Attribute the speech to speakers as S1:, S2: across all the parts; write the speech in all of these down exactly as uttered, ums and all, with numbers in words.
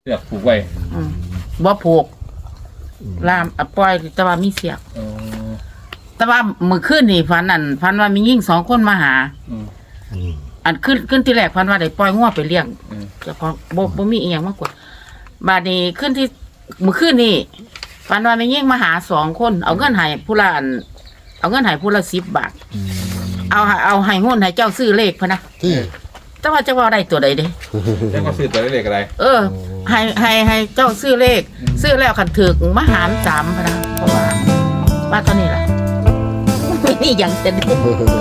S1: สือกผูกไว้
S2: บ่ผูกลามปล่อยแต่ว่ามีเสียกแต่ว่าเมื่อคืนนี่ฝันนั่นฝันว่ามียิ่งสองคนมาหาอันขึ้นขึ้นที่แรกฝันว่าได้ปล่อยงัวไปเลี้ยงเจ้าของบ่บ่มีอีหยังมากกว่าบาดนี้ขึ้นที่เมื่อคืนนี่ฝันว่ามียิ่งมาหาสองคนเอาเงินให้ผู้ละอันเอาเงินให้ผู้ละสิบบาทเอาเอาให้หุ้นให้เจ้าซื้อเลขพะนะแต่ว่าจะว่าได้ตัวใดเด้
S1: เจ้าก็ซื้อตัวเลขอะไร
S2: เออให้ให้ให้เจ้าซื้อเลขซื้อแล้วคันถึกมหารสามพะนะเพราะว่าว่าตอนนี้ล่ะไม่นี่ยังจะได้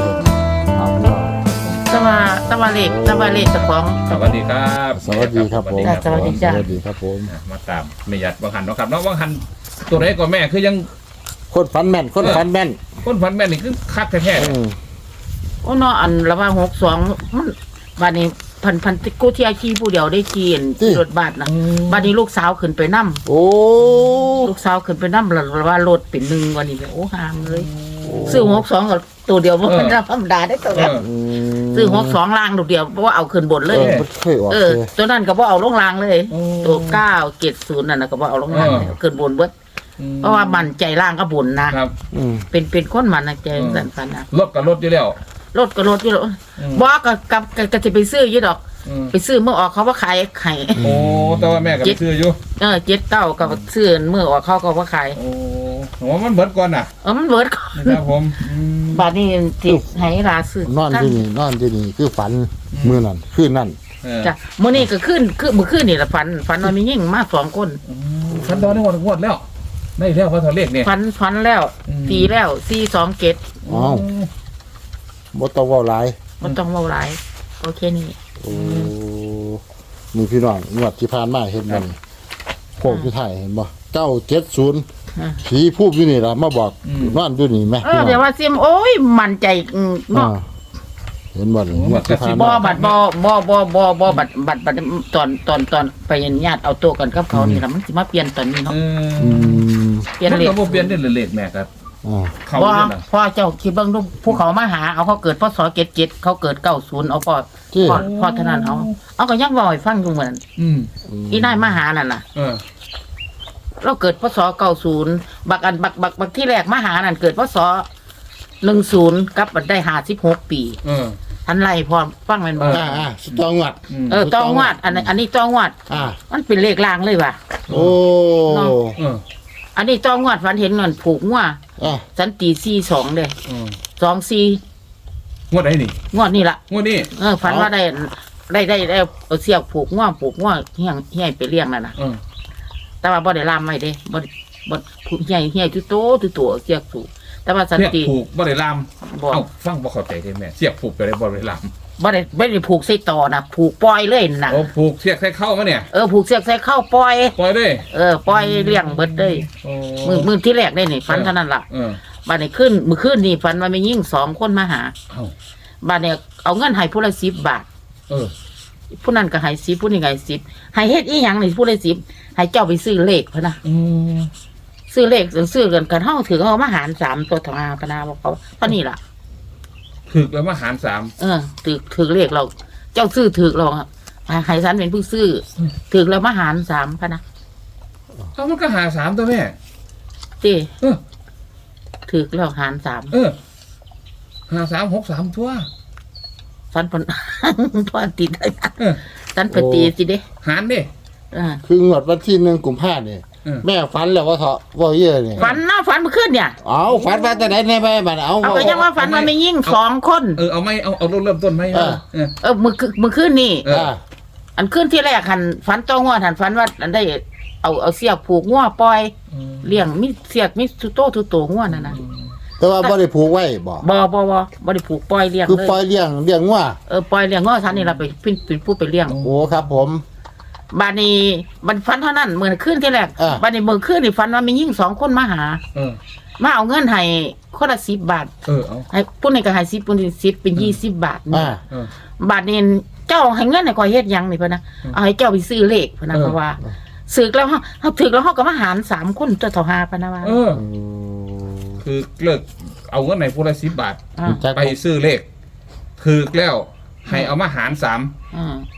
S2: ตะวันตะวันเลขตะวันเลขเจ้าของ
S1: สวัสดีครับ
S3: สวัสดีครับผม
S2: สวัสดีจ้า
S3: สวัสดีครับผม
S1: มาตามไม่ยัดบางหันเนาะครับเนาะบางหันตัวไหนก็แม่คือยัง
S3: คนฟันแม่นคนฟันแม่น
S1: คนฟันแม่นนี่คือคักแท้
S2: ๆโอ้เนาะอันระว่าหกสองมันบาดนี้พันพันติกูที่อาชีผู้เดียวได้กินรถบัสนะบาดนี้ลูกสาวขึ้นไปนั่ม
S3: โอ้
S2: ลูกสาวขึ้นไปนั่มระว่ารถเป็นหนึ่งวันนี้โอ้ห่างเลยซื้อหกสองกับตัวเดียวมันธรรมดาได้ตัวเดียวซื้อหกสองล่างตัวเดียวเพราะว่าเอาขึ้นบนเลยเออตัวนั้นก็บ่เอาลงล่างเลยตัวเก้าเจ็ดศูนย์นั่นก็บ่เอาลงล่างขึ้นบนเบิดเพราะว่ามันใจล่างก็บุญนะครับเป็นเป็นคนมันนะใจสันสันนะ
S1: รถกับรถอยู่แล้ว
S2: รถกับรถอยู่แล้วบอกกับกับกับจะไปซื้อยี่ดอกไปซื้อเมื่อออกเขาว่าขายไข่
S1: โอ้แต่ว่าแม่กับซื้ออยู่
S2: เออเจ็ดเก้ากับซื้อเมื่อออกเขาก็ว่าขาย
S1: โอ้โหมันเบิดก่อนน่ะ
S2: เออมันเบิดก่อน
S1: ครับผม
S2: บาดนี้ที่ให้ราซื้อน
S3: อนที่นี่นอนที่นี่คือฝันมือนั่นคืนนั่น
S2: จ้ะมื้อนี้ก็ขึ้นคือมื้อคืนนี่ละฝันฝันว่ามียิ่งมาสองคน
S1: ฝันตอนนี้หมดหมดแล้วได้แล้วว่าตัวเลขเนี่ย
S2: ฝันฝันแล้วตีแล้วสี่สองเจ็ด
S3: อ๋อบ่ต้องเว้าหลาย
S2: บ่ต้องเว้าหลายโอเคนี่
S3: โอ้มีพี่น้องงวดที่ผ่านมาเห็นมันโคกที่ไทยเห็นบ่เก้าเจ็ดศูนย์ผีพูดอยู่นี่ล่ะมาบอกนอนอยู่นี่แม่
S2: เออเดี๋ยวว่าซิมโอ้ยมั่นใจเนาะ
S3: เห็นบ่งวด
S2: ที่ผ่านมาบ่บัดบ่บ่บ่บ่บ่บัดบัดบัดตอนตอนตอนไปญาติเอาตัวกันกับเขานี่ล่ะมันสิมาเปลี่ยนตอนนี้เนาะ
S3: อืม
S1: เปลี่ยนเลขบ่เปลี่ยนเด้เลขแม่ครับ
S2: เขาพ่อเจ้าคิดเบิ่งดูผู้เขามาหาเอาเขาเกิดพศเจ็ดเจ็ดเขาเกิดเก้าศูนย์เอาพ่อพ่อพ่อเท่านั้นเอาเอาก็ยังบ่ให้ฟังอยู่เหมือนอืมอีนายมาหานั่นน่ะเออเราเกิดพศเก้าศูนย์บักอันบักบักบักที่แรกมาหานั่นเกิดพศหนึ่งศูนย์กับมันได้ห้าสิบหกปีเออทันไรพอฟังแม่นบ่
S3: อ่าอ่าตองวัด
S2: เออตองวัดอันนี้อันนี้ตองวัดอ่ามันเป็นเลขล่างเลยว่ะ
S3: โอ้
S2: อันนี้ตองวัดฝันเห็นเงินผูกงัวสันตีสี่สองเลยสองสี่
S1: งวดไหนนี่
S2: งวดนี่ละ
S1: งวดนี้
S2: เออฝันว่าได้ได้ได้ได้เอาเสียกผูกงัวผูกงัวเฮี้ยงเฮี้ยไปเลี้ยงนั่นน่ะแต่ว่าบ่ได้ลามไว้เด้บ่บ่เฮี้ยเฮี้ยจุโตจุโตเสียกผูกแต่ว่าสันติ
S1: ผูกบ่ได้ลามเอ้าฟังบ่เข้าใจได้แม่เสียกผูกไปได้บ่ได้ลาม
S2: บ่ได้ไม่ได้ผูกใส่ต่อนะผูกปล่อยเลยน่ะ
S1: โอ้ผูกเสียกใส่เข้ามาเนี่ย
S2: เออผูกเสียกใส่เข้าปล่อย
S1: ปล่อยเลย
S2: เออปล่อยเลี้ยงเบิดเลยมือมือที่แรกได้นี่ฝันเท่านั้นล่ะบัดนี้ขึ้นมื้อคืนนี่ฝันว่ามียิ่งสองคนมาหาบัดนี้เอาเงินให้ผู้ละสิบบาทเออผู้นั้นก็ให้สิบผู้นี้ก็ให้สิบให้เฮ็ดอีหยังนี่ผู้ละสิบให้เจ้าไปซื้อเลขพะนะอืมซื้อเลขซื้อกันกันเฮาถือเฮามาหารสามตัวทางพะนาบอกเขาเท่านี้ล่ะ
S1: ถือแล้วมาหารสาม
S2: เออถือถือเลขเราเจ้าซื้อถือเราให้ฉันเป็นผู้ซื้อถือแล้วมาหารสามพะนะ
S1: เอามันก็หาสามตัวแม่
S2: ตีเออถือแล้วหารสาม
S1: เออหาสามหกสามทั่ว
S2: สันพนพอตีได้สันพตีสิเด้
S1: หารเด้
S3: คืองวดวันที่หนึ่งกุมภาพันธ์เนี่ยแม่ฝันแล้วว่าเถาะว่าเยอะเนี่ย
S2: ฝันนะฝันเมื่อคืนเนี่ย
S3: เอาฝันว่าแต่ไหนในแม่บ้านเอา
S2: เอาไปยังว่าฝันมันไม่ยิ่งสองคน
S1: เออเอาไม่เอาเอาเริ่มต้นไหมเออ
S2: เออเมื่อเมื่อคืนนี่อันคืนที่แรกหันฝันต้องว่าหันฝันว่าอันได้เอาเอาเสียกผูกง้อปล่อยเลี้ยงมิเสียกมิสุโต้ทุโตง้อนั่นนะ
S3: แต่ว่าบ่ได้ผูกไว้บ่
S2: บ่บ่บ่บ่ได้ผูกปล่อยเลี้ยง
S3: คือปล่อยเลี้ยงเลี้ยงง้อ
S2: เออปล่อยเลี้ยงง้อฉันนี่เราไปเป็นเป็นผู้ไปเลี้ยง
S3: โอ้ครับผม
S2: บานี้มันฟันเท่านั้นเหมือนขึ้นที่แรกบานี้เมื่อขึ้นนี่ฟันว่ามียิ่งสองคนมาหามาเอาเงินให้คนละสิบบาทให้ผู้นี้ก็ให้สิบผู้นี้สิบเป็นยี่สิบบาทบาทนี้เจ้าให้เงินให้คอยเฮ็ดยังนี่เพื่อนนะเอาให้เจ้าไปซื้อเลขเพื่อนนะเพราะว่าซื้อแล้วเขาถือแล้วเขาก็มาหารสามคนจะต่อหาพนะว่า
S1: คือเลิกเอาเงินในผู้ละสิบบาทไปซื้อเลขถือแล้วให้เอามาหารสาม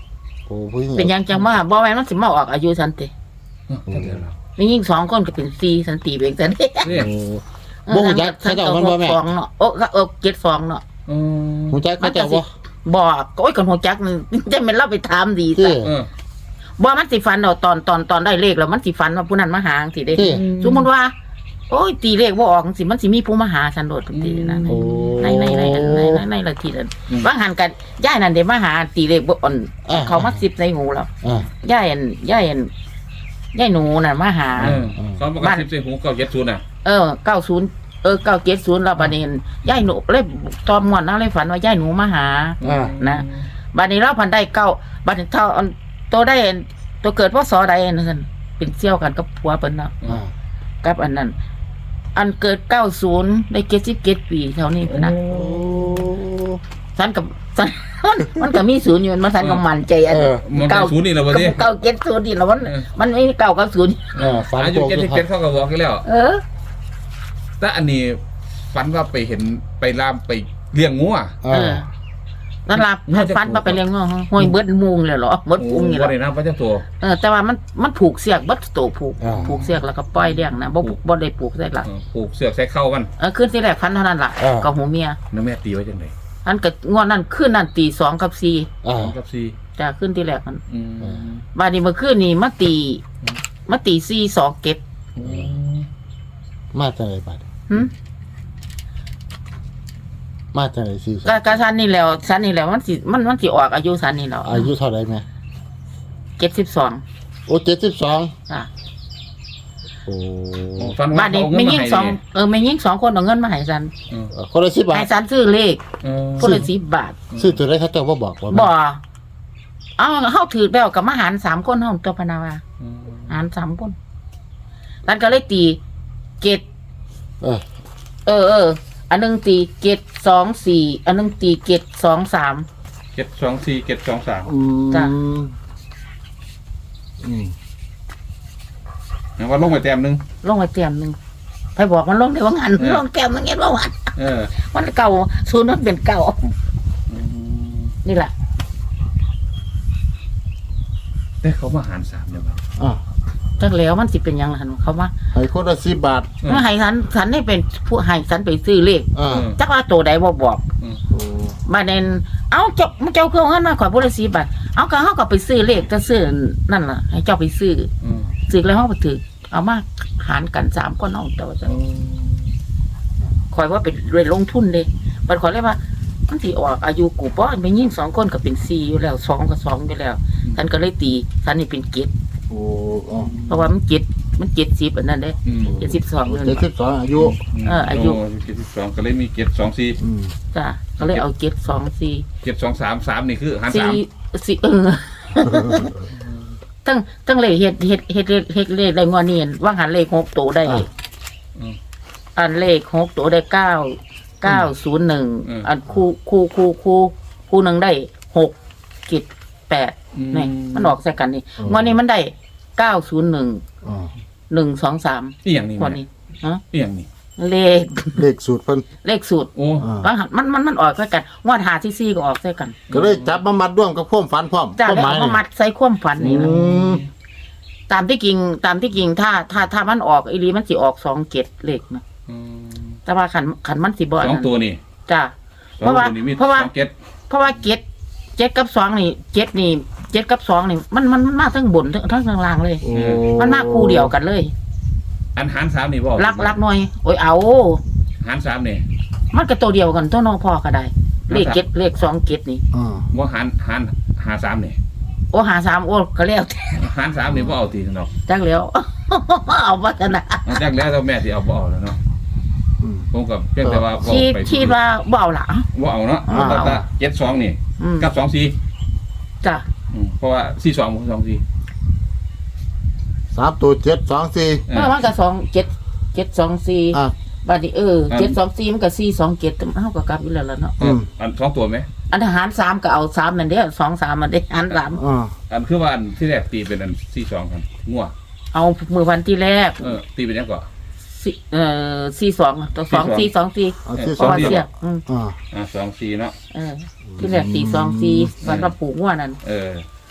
S3: อ้ผู้หญิง
S2: เป็นหยังจังว่าบ่แม่นมันสิมาออกอายุฉันติ
S1: เออจังเดียวแล้ว
S2: มียิ่งสองคนก็เป็นสี่ฉันตีไปเองซั่นเด้
S1: นี่
S3: โอ้บ่ฮู้จักเขาเจ้ามันบ่แม่
S2: ฟองเนาะโอ้ก็เออเจ็ดฟองเนาะ
S1: อืม
S3: ฮู้จักเขาเจ้าบ่
S2: บอกโอ้ยคนหัวจักมันจะเป็นเราไปถามดี
S3: ที่
S2: ซะ
S1: เออ
S2: บ่มันสิฟันเอาตอนตอนตอนได้เลขแล้วมันสิฟันว่าผู้นั้นมาหาจังซี่เด้
S3: ที่
S2: สมมุติว่า โอ้ยตีเลขบ่ออกจังซี่มันสิมีผู้มาหาฉันโดดทุกทีนะ
S3: โอ้
S2: ในในในในในในในละทีนั้นบางหันกันย่ายนั่นเด้มาหาตีเลขบ่อ่อนเขามาสิบในหูแล้ว
S3: อ่า
S2: ย่ายอันย่ายอันย่ายหนูน่ะมาหา
S1: เออสองประกันสิบสี่หูเก้าเจ็ดศูนย์น่ะ
S2: เออเก้าศูนย์เออเก้าเจ็ดศูนย์แล้วบัดนี้ย่ายหนูเลยตอมม่วนเนาะเลยฝันว่าย่ายหนูมาหา
S3: อ่า
S2: นะ บัดนี้เราพันได้เก้าบัดนี้เท่าอันโตได้อันตัวเกิดพศใดนั่นซั่นเป็นเสี่ยวกันกับผัวเพิ่นเนาะ
S3: อ่า
S2: กับอันนั้น อันเกิดเก้าศูนย์ได้เจ็ดสิบเจ็ดปีเท่านี้พุ่นนะ
S3: โอ้
S2: สันกับสัน มันก็มีศูนย์อยู่มันสันก็มั่นใจอัน
S3: เออ
S1: มันเป็นศูนย์นี่แหละวะดิ
S2: เก้าเจ็ดศูนย์นี่แล้วมัน
S1: เออ
S2: มันไม่เก้าเก้าศูนย์
S3: อ่าฝัน
S1: อายุ
S3: โต
S1: เจ็ด
S3: สุ
S1: สิ
S3: ด
S1: บ
S3: ท้า
S1: เจ็
S3: ย
S1: ดเขาก็บอกกันแล้ว
S2: เออ
S1: แต่อันนี้ฝันว่าไปเห็นไปลามไปเลี้ยงงูอ่ะ
S2: เอ
S3: อ่า
S2: อนั่นล่ะให้ฟันมาไปเลี้ยงง้อห้อยเบิดมุงเลยเหรอเบิด
S1: โอ้
S2: ปุงนี่
S1: บ่
S2: แหละ
S1: ได้นะพระเจ้าตัว
S2: เออแต่ว่ามันมันผูกเสียกเบิดโตผูกผูกเสียกแล้วก็ปล่อยเลี้ยงนะบ่บ่ได้ผูกใส่หลัก
S1: เออผูกเสือกใส่เข้ามัน
S2: เออขึ้นที่แรกพันเท่านั้นล่ะกับหูเมีย
S1: แล้วแม่ตีไว้จังได
S2: อันก็งวดนั้นขึ้นนั่นตีสองกับสี่
S3: อ่า
S1: สองกับสี่
S2: จะขึ้นที่แรกมัน
S1: อืม
S2: บาดนี้เมื่อคืนนี่มาตีมาตีสี่สองเก็บ
S1: อืม
S3: มาจากไหนบัด
S2: หึ
S3: มาจากไหนสิ
S2: ก็ก็สันนี่แล้วสันนี่แล้วมันสิมันมันสิออกอายุสันนี่แล้ว
S3: อายุเท่าไหร่แม่
S2: เจ็ดสิบสอง
S3: โอ้เจ็ดสิบสอง
S2: อ่ะ
S3: โอ้
S1: โอ้ฝัน
S2: บา
S1: ว่า
S2: ดนี้
S1: เขาเอาเงิ
S2: ไม่
S1: นมา
S2: ยิ่ง
S1: ให้
S2: สอง
S1: เนี่ย
S2: เออไม่ยิ่งสองคนเอาเงินมาให้สัน
S1: เออ
S3: คนละสิบบาท
S2: ให้สันซื้อเลข
S1: เออ
S2: คนละสิบบาท
S3: ซื้อตัวได้เขาเจ้าบ่บอกว่า
S2: บ่เอาเฮาถือแล้วกับมาหารสามคนเฮาตัวพนาวา
S1: อืม
S2: หารสามคนสันก็เลยตีเจ็ด
S3: เออ
S2: เออเอออันหนึงตีเจ็ดสองสี่อันหนึงตีเจ็ดสองสาม
S1: เจ็ดสองสี่เจ็ดสองสาม
S3: อืม
S2: จ้ะ
S3: อืม
S1: นะว่าลงไปแต้มหนึง
S2: ลงไปเตรียมหนึงไปบอกมันลงได้ว่างาน
S1: เออ
S2: ลงแก้มมันเงี้ยว่าวัน
S1: เออ
S2: มันเก่าศูนย์มันเป็นเก่า
S1: อืม
S2: นี่แหละ
S1: แต่เขามาหารสามเนี่ยมั้ง
S3: อ่า
S2: จักแล้วมันสิเป็นหยังล่ะหั่นเขามา
S3: ให้คนละสิบบาท
S1: อืม
S2: เมื่อให้สันสันได้เป็นผู้ให้สันไปซื้อเลข
S3: อ่า
S1: อืม
S2: จักว่าตัวใดบ่บอก
S3: โอ้
S2: มาเน้นเอาเจ้าเจ้าเครื่องเงินมาขอยบ่ได้สิบบาทเอาก็เฮาก็ไปซื้อเลขจะซื้อนั่นล่ะให้เจ้าไปซื้อ
S1: อืม
S2: ซื้อแล้วเฮาไปถือเอามาหารกันสามคนเอาเจ้าจังขอยว่าเป็นเรื่องลงทุนเด้บัดขอยเลยว่ามันสิออกอายุกูบ่แม่ยิ่งสองคนก็เป็นสี่อยู่แล้วสองก็สองอยู่แล้วฉันก็เลยตีฉันนี่เป็นเจ็ด
S3: โอ้อ๋อ
S2: เพราะว่ามันเจ็ดมันเจ็ดสิบอันนั้นเด้
S1: อืม
S2: เจ็ดสิบสองเลย
S3: เจ็ดสิบสองอายุ
S2: เอออายุ
S1: เจ็ดสิบสองก็เลยมีเจ็ดสองสี่
S3: อืม
S2: จ้ะก็เลยเอาเจ็ดสองสี่
S1: เจ็ดสองสามสามนี่คือหารสา
S2: สี่
S1: ม
S2: สี่เออ ตั้งตั้งเลขเฮ็ดเฮ็ดเฮ็ดเลขเฮ็ดเลขได้งอนี่ว่างหันเลขหกตัวได้
S1: อืม
S2: อันเลขหกตัวได้เก้าเก้าศูนย์หนึ่งอันคู่คู่คู่คู่คู่หนึ่งได้หกกิจแปดนี่มันออกใส่กันนี่งอนี้มันได้เก้าศูนย์หนึ่ง
S3: อ่า
S2: หนึ่งสองสาม
S1: อีหยังนี่
S2: งว
S1: แม่
S2: ดนี้ฮะ
S1: อีหยังนี่
S2: เลข
S3: เลขสูตรเพิ่น
S2: เลขสูตร
S1: โอ้
S3: อ่า
S2: บางหันมันมันมันออกใส่กันงวดหาที่ซี่ก็ออกใส่กัน
S3: ก็เลยจับมามัดร่วมกับความฝันพร้อม
S2: จ้า
S3: ความ
S2: แล้ว
S3: หมาย
S2: เอามามัดใส่ความฝัน
S3: อื
S2: นี่นะ
S3: ม
S2: ตามที่จริงตามที่จริงถ้าถ้าถ้ามันออกอีหลีมันสิออกสองเจ็ดเลขนะ
S1: อืม
S2: แต่ว่าขันขันมันสิบ่
S1: ส
S2: อัน
S1: อง
S2: นั้น
S1: ตัวนี่
S2: จ้า
S1: สองตัวนี่มี
S2: เพราะว่า
S1: สองเจ็ด
S2: เพราะว่าเจ็ดเจ็ดกับสองนี่เจ็ดนี่เจ็ดกับสองนี่มันมันมันมาทั้งบนทั้งทั้งข้างล่างเลย
S3: โอ้
S2: มันมาคู่เดียวกันเลย
S1: อันหารสามนี่บ่
S2: รักรักหน่อยโอ้ยเอา
S1: หารสามนี่
S2: มันก็ตัวเดียวกันตัวน้องพ่อก็ได้ เลขเจ็ดเลขสองเจ็ดนี่
S3: อ่า
S1: ว่าหารหารหาสามนี่
S2: โอ้หาสามโอ้ก็แล้ว
S1: หารสามนี่บ่เอาตีเนาะ
S2: จังแล้ว เอาวัฒนะ
S1: เอาจากแล้วแต่แม่ที่เอาบ่เอาแล้วเนาะ
S3: อืม
S1: ผมกับเพียงแต่ว่า
S2: คิด
S1: ไป
S2: คิดว่าเบเอาละ
S1: บ่เอาเนาะ
S3: อ่า
S1: แต่ถ้าเจ็ดสองนี่
S2: อืม
S1: กับสองสี่
S2: จ้ะ
S1: อืมเพราะว่าสี่สองสองสี่
S3: สามตัวเจ็ดสองสี่
S1: เอ
S2: เมื่
S1: อ
S2: อมันก็สองเจ็ดเจ็ดสองสี่
S3: อ่า
S2: บัดนี้เออเจ็ดสองสี่มันก็สี่สองเจ็ดเท่ากับกลับอยู่แล้วล่ะเนาะ
S3: อืม
S1: อันสองตัวไหม
S2: อันทหารสามก็เอาสามนั่นเด้อสองสามมันเด้อหารสาม
S3: อ่า
S1: อันคือว่าอันที่แรกตีเป็นอันสี่สองครับงัว
S2: เอามือวันที่แรก
S1: เออตีเป็นยังก่อน
S2: สี่เอ่อสี่สองตัวสองสี่สองสี่
S3: เอาที่
S2: เพ
S3: สอ
S2: ราะ
S3: ง
S2: ว่า
S3: สี่
S2: เสียกอืม
S3: อ่า
S1: อ่าสองสี่เนาะ
S2: เออที่แรกสี่สองสี่วันรับผูกว่านั่น
S1: เออ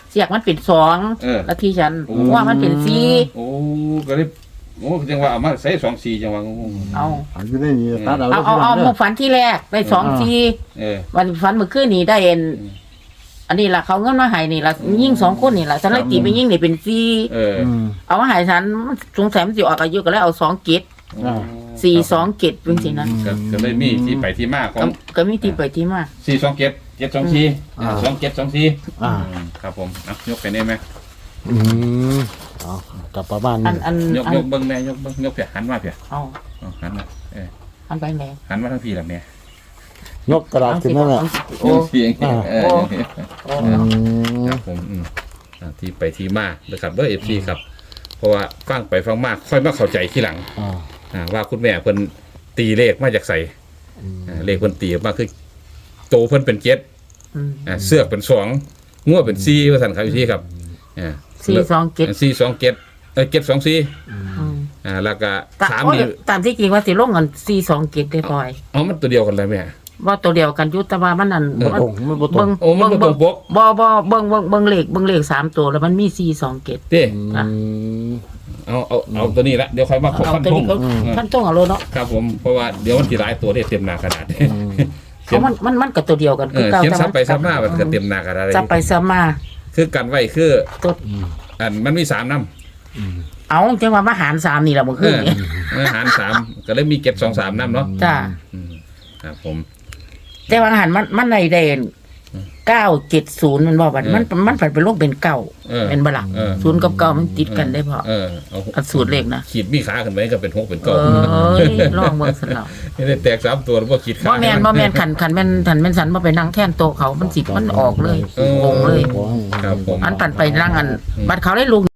S2: เสียกมันเป็นสอง
S1: เออ
S2: แล้วที่ฉัน
S1: โอ้
S2: ว่ามันเป็นสี่
S1: โอ้ก็เลยโอ้จังว่าเอามาใส่สองสี่จังว่า
S2: เอา
S3: อันนี้ได้นี่ตัดเอา
S2: เอาเอาเอามาฝันที่แรกได้สองสี่
S1: เออ
S2: วันฝันเมื่อคืนนี้ได้เอ็น
S1: อืม
S2: อันนี้ล่ะเขาเงินมาให้นี่ล่ะยิ่งสองคนนี่ล่ะฉันเลยตีไปยิ่งนี่เป็นสี่
S1: เออ
S3: อืม
S2: เอามาให้ฉันมันสงสัยมันสิออกอายุก็เลยเอาสองเกต
S3: อ่า
S2: สี่สองเกตเป็นสินะ
S1: ก็ก็เลยมีที่ไปที่มาขอ
S2: ก็
S1: ง
S2: ก็มีที่ไปที่มา
S1: สี่สองเจ็ดเจ็ดสองสี่สองเจ็ดสองสี่
S3: อ่า
S1: ครับผมอ่ะยกไปได้ไหม
S3: อืมเอากลับประมาณ
S2: อั
S3: นี้
S2: นอัน
S1: ยก
S2: อัน
S1: ยกเบิ้งแม่ยกเบิ้งยกเพียหันมาเพีย
S2: เอา
S1: เอาหันมาเออ
S2: อันไปไหน
S1: หันมาทั้งพี่ละแม่
S3: ยกกระดาษขึ้นนั่นแหละ
S2: โอ้
S1: เสียง
S3: อ่า
S1: เออ
S2: โอ้
S3: อืม
S1: ครับผมอืมอ่าที่ไปที่มานะครับเด้อเอฟซีครับ เพราะว่าฟังไปฟังมากค่อยมาเข้าใจทีหลัง
S3: อ่า
S1: อ่าว่าคุณแม่เพิ่นตีเลขมาจากใส่อ่าเลขเพิ่นตีออกมาคือโตเพิ่นเป็นเจ็ด
S2: อืม
S1: อ่าเสือกเป็นสองงัวเป็นสี่ว่าสั่นครับพี่ครับอ่า
S2: สี่สองเกต
S1: สี่สองเจ็ดเออเจ็ดสองสี่
S2: อืม
S1: อ่าแล้วก็
S2: ต
S1: สาม
S2: โอ้ย
S1: นี่
S2: ตามที่จริงว่าสิลงกันสี่สองเกตได้พลอย
S1: เอามันตัวเดียวกันเลยแม่
S2: ว่าตัวเดียวกันอยุตว่ามันนั่น
S3: บ่ตรงมันบ่ตร
S2: เบิ่
S3: ง
S2: ง
S1: โอ้มันบ่ตรงปก
S2: บ่บ่เบิ่งเบิ่งเบิ่งเลขเบิ่งเลขสามตัวแล้วมันมีสี่สองเกต
S1: เด้
S3: อืม
S1: เอาเอาเอาตัวนี้ละเดี๋ยวค่อยมาขอ
S2: เอา
S1: ฟัน
S2: ตัว
S1: ธ
S2: นี้
S1: ง
S2: ก็ท่านต้องเอาโลเนาะ
S1: ครับผมเพราะว่าเดี๋ยวมันสิหลายตัวได้เต็มหน้ากระดาษเขี
S2: เพราะ
S1: ยน
S2: มันมันมันกับตัวเดียวกัน
S1: เออ
S2: ก่า
S1: เขียน
S2: แต่
S1: ซับไปซับมามันก็เต็มหน้ากระดาษเลย
S2: ซับไปซับมา
S1: คือกันไว้คือ
S2: ตัว
S1: อันมันมีสามน้
S2: เอาจังว่ามาหารสามนี่แหละเมื่อ
S1: ำเอ
S2: คืน
S1: อ
S2: นี้
S1: อาหารสามก็เลยมีเก็บสองสามน้ำเนาะ
S2: จ้า
S1: อืมครับผม
S2: แต่ว่าอาหารมันมันในเด่นเก้าเจ็ดศูนย์มันบอกว่ามันมันผันเป็นโรคเป็นเก้า
S1: เออ
S2: เป็นบลัก
S1: เออ
S2: ศูนย์กับเก้ามันติดกันได้พอ
S1: เออเอา
S2: อันสูตรเลขนะ
S1: ขีดมีขาขึ้นไปก็เป็นหกเป็น
S2: เอ
S1: เก้า
S2: ้ยลองเมืองสลับ
S1: ไม่ได้แตกสามตัวแล้วก็ขีดขา
S2: บ่แมนบ่แมนขันขันแม่นขันแม่นสันบ่ไปนั่งแท่นโตะเขามันสิมันออกเลย
S1: เออ
S2: งงเลย
S3: ขอให้
S1: ครับผม
S2: อันปั่นไปนั่งอันบัดเขาได้ลุง